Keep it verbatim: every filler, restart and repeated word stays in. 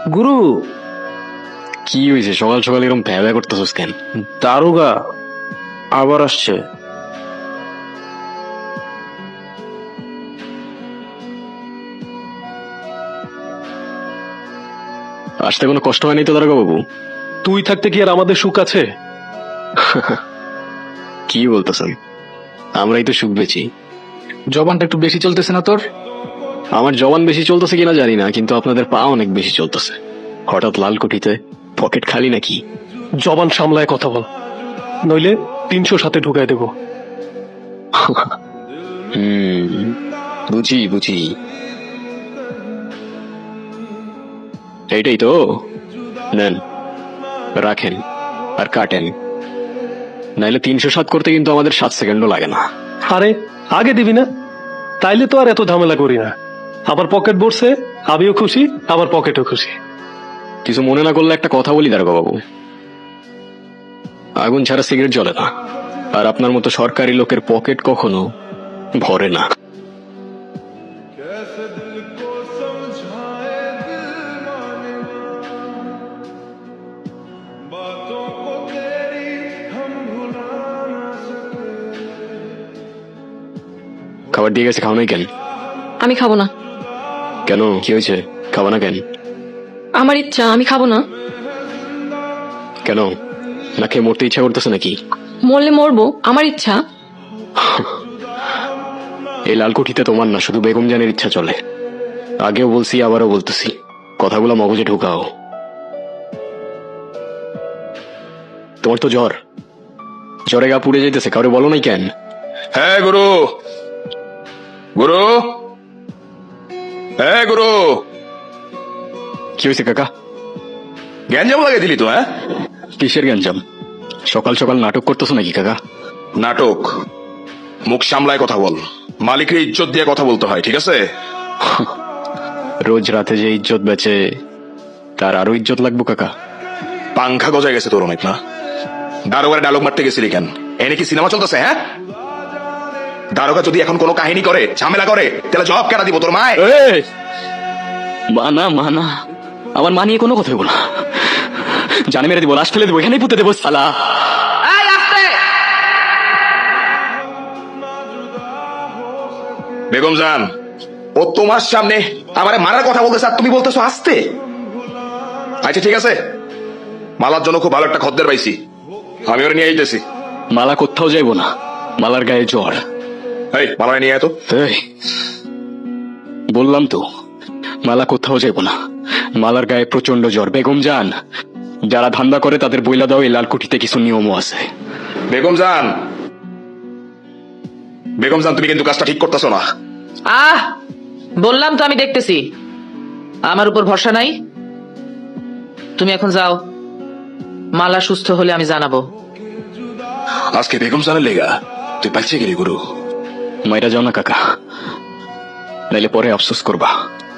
গুরু, কি হয়েছে সকাল সকাল এরকম ভ্যা ভ্যা করতেছস কেন? দারোগা আবার আসছে। আসতে কোনো কষ্ট হয়নি তো দারোগা বাবু? তুই থাকতে কি আর আমাদের সুখ আছে? কি বলতেছেন? আমরাই তো সুখ বেছি। জবানটা একটু বেশি চলতেছে না তোর? আমার জবান বেশি চলতেছে কিনা জানি না, কিন্তু আপনাদের পা অনেক বেশি চলতেছে। হঠাৎ লাল কোঠিতে, পকেট খালি নাকি? জবান সামলায় কথা বল, নইলে তিনশো সাথে ঢুকাই দেবো। হুম, বুঝি বুঝি। এইটাই তো। নেন, রাখেন আর কাটেন, নাইলে তিনশো সাত করতে কিন্তু আমাদের সাত সেকেন্ডও লাগে না। আরে আগে দিবি না? তাইলে তো আর এত ঝামেলা করি না। আবার পকেট ভরছে, আমিও খুশি, আবার পকেটও খুশি। কিছু মনে না করলে একটা কথা বলি দারোগা বাবু, আগুন ছাড়া সিগারেট জ্বলে না, আর আপনার মতো সরকারি লোকের পকেট কখনো ভরে না। খাবার দিয়ে গেছে, খাও নাই কেন? আমি খাবো না। কেন, কি হয়েছে? খাবো না কেন? আমার ইচ্ছা, আমি খাবো না। কেন, না খেয়ে মরতে ইচ্ছা করতেছে নাকি? মরলে মরবো, আমার ইচ্ছা। এই লালকুঠিতে তোমার না, শুধু বেগম জানের ইচ্ছা চলে। আগেও বলছি, আবারও বলতেছি, কথাগুলো মগজে ঢুকাও। তোমার তো জ্বর, জ্বরে গা পুড়ে যাইতেছে, কাউরে বলো নাই কেন? হ্যাঁ গুরু, গুরু, হ্যাঁ গুরু। কি হয়েছে কাকা? গ্যাঞ্জাম লাগিয়ে দিলি তো? হ্যাঁ, কিসের গ্যাঞ্জাম? সকাল সকাল নাটক করতেছো নাকি কাকা? নাটক? মুখ সামলায় কথা বল, মালিকের ইজ্জত দিয়ে কথা বলতে হয়, ঠিক আছে? রোজ রাতে যে ইজ্জত বেচে, তার আরো ইজ্জত লাগবো কাকা? পাংখা গজায় গেছে তোর অনেক না? দারোগার ডায়লগ মারতে গেছিলি কেন? এনে কি সিনেমা চলতেছে? হ্যাঁ, দারোগা যদি এখন কোনো কাহিনী করে, ঝামেলা করে, তাহলে জবাব কেনা দিব তোর মায়? মানা মানা, আমার মা নিয়ে কোনো কথা বলবো না, জানে মেরে দিব, লাশ ফেলে দেবো, এখানেই পুঁতে দেবো সালা। বেগম জান, ও তোমার সামনে আমারে মারার কথা বলতেছে আর তুমি বলতেছো আসতে? আচ্ছা ঠিক আছে, মালার জন্য খুব ভালো একটা খদ্দের পাইছি, আমি ওরে নিয়ে আইতেছি। মালা কোথাও যাইবো না, মালার গায়ে জ্বর। এই মালা নিয়ে আয় তো। এই, বললাম তো মালা কোথাও যাইবো না, মালার গায়ে প্রচন্ড জ্বর। বেগম জান, যারা ধান্দা করে তাদের বইলা দাও এই লালকুঠিতে কিছু নিয়মও আছে। বেগম জান, বেগম জান, তুমি কিন্তু কাজটা ঠিক করতেছো না। আহ বললাম তো আমি দেখতেছি, আমার উপর ভরসা নাই। তুমি এখন যাও, মালা সুস্থ হলে আমি জানাবো। আজকে বেগম জানের লেগা তুই পাইছে গেলি গুরু। মাইরা যাও না কাকা, নাইলে পরে আফসোস করবা।